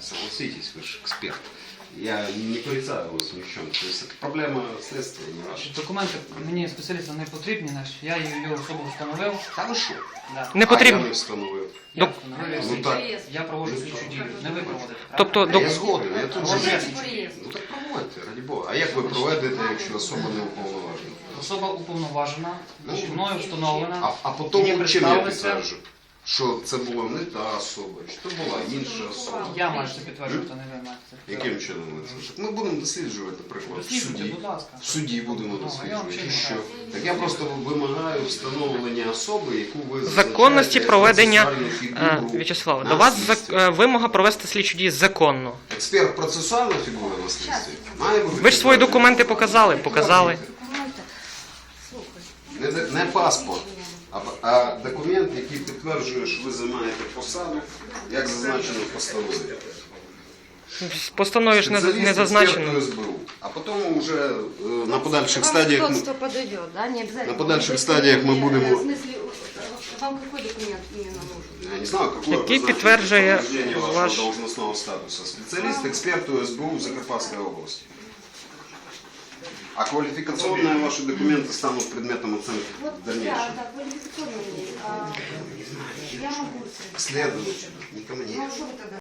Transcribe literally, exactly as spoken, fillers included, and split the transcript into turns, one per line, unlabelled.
Согласитесь, вы же эксперт. Я не порицаю вас ни в чем. То есть это проблема следствия, не ваша.
Документи мені спеціалістам не потрібні, значить, я її особу встановив.
Та ви що?
Да.
Не
А
потрібно.
я не встановив.
Я
Док-
встановив.
Ну так.
Я проводжу слідчу дію. Не ви проводите.
Тобто,
А я
док-
згоден, я тут же.
Проводите.
Ну так проводьте, раді Бога. А як ви проведете, якщо особа не уповноважена?
Особа уповноважена,
Ну,
мною встановлена.
А, а потім
Мені
чим я
представилися.
підтверджу? Що це була не та особа, що це була інша особа.
Я маю це підтверджувати, не ви маєте це.
Яким чином ви це? Так ми будемо досліджувати приклад в
Досліджуйте,
суді.
будь ласка.
В суді будемо
Ну, а я вам
досліджувати.
ще
Що?
не
Так я просто вимагаю встановлення особи, яку ви
законності
зазначаєте
проведення
як процесуальну
е,
фігуру
В'ячеславе,
на
до вас
слідстві.
зак- е, вимога провести слідчу дію законно.
Експерт процесуальна фігура на слідстві має бути.
Ви ж свої документи показали, показали.
Не, не паспорт, а, а документ, який підтверджує, що ви займаєте посаду, як зазначено в постанові.
В постанові ж не,
Спеціаліст
не зазначено.
експертної ес бе у. А потім вже е, на подальших стадіях ми-
Вам подойдет, да? Не обязательно.
на подальших стадіях ми
В
будемо.
смысле, вам какой документ именно нужен?
Я не знаю, какое
Який
вы знаете
підтверджує
підтвердження вашого
ваш-
должностного статусу. Спеціаліст експерту ес бе у в Закарпатской области. А квалификационные ваши документы станут предметом оценки
Вот,
в дальнейшем.
да, да, квалификационные. А, я могу.
Следовательно, не ко мне.
Ну, а что вы тогда?